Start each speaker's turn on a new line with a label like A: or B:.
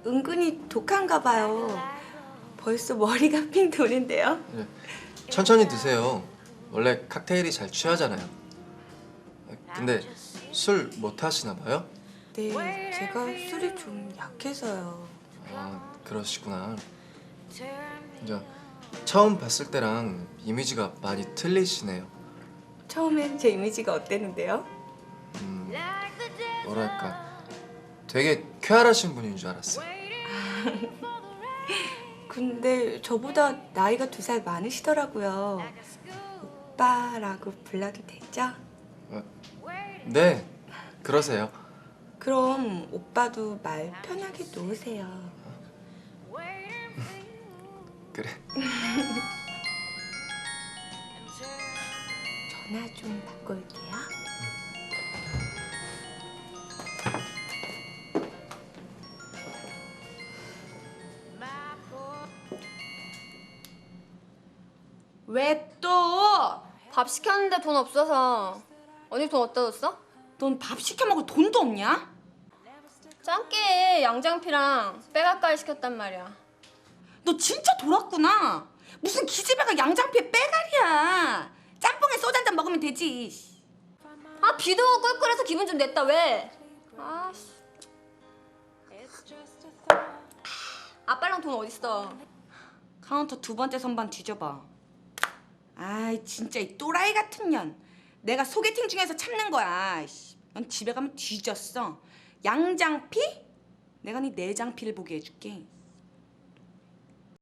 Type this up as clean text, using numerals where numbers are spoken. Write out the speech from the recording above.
A: 은근히 독한가 봐요. 벌써 머리가 핑 도는데요.
B: 네. 천천히 드세요. 원래 칵테일이 잘 취하잖아요. 근데 술 못 하시나 봐요?
A: 네, 제가 술이 좀 약해서요.
B: 아, 그러시구나. 저 처음 봤을 때랑 이미지가 많이 틀리시네요.
A: 처음엔 제 이미지가 어땠는데요?
B: 뭐랄까 되게 쾌활하신 분인 줄 알았어요.
A: 근데 저보다 나이가 2살 많으시더라고요. 오빠라고 불러도 되죠?
B: 네, 그러세요.
A: 그럼 오빠도 말 편하게 놓으세요.
B: 그래.
A: 전화 좀 받고 올게요. 왜 또?
C: 밥 시켰는데 돈 없어서. 언니 돈 어디다 뒀어?
A: 넌 밥 시켜 먹을 돈도 없냐?
C: 짱깨 양장피랑 빼가까이 시켰단 말이야.
A: 너 진짜 돌았구나. 무슨 기집애가 양장피에 빼갈이야. 짬뽕에 소주 한잔 먹으면 되지.
C: 아 비도 오고 꿀꿀해서 기분 좀 냈다 왜? 아씨. 아빠랑 돈 어딨어?
A: 카운터 2번째 선반 뒤져봐. 아이 진짜 이 또라이 같은 년. 내가 소개팅 중에서 참는 거야. 넌 집에 가면 뒤졌어. 양장피? 내가 네 내장피를 보게 해줄게.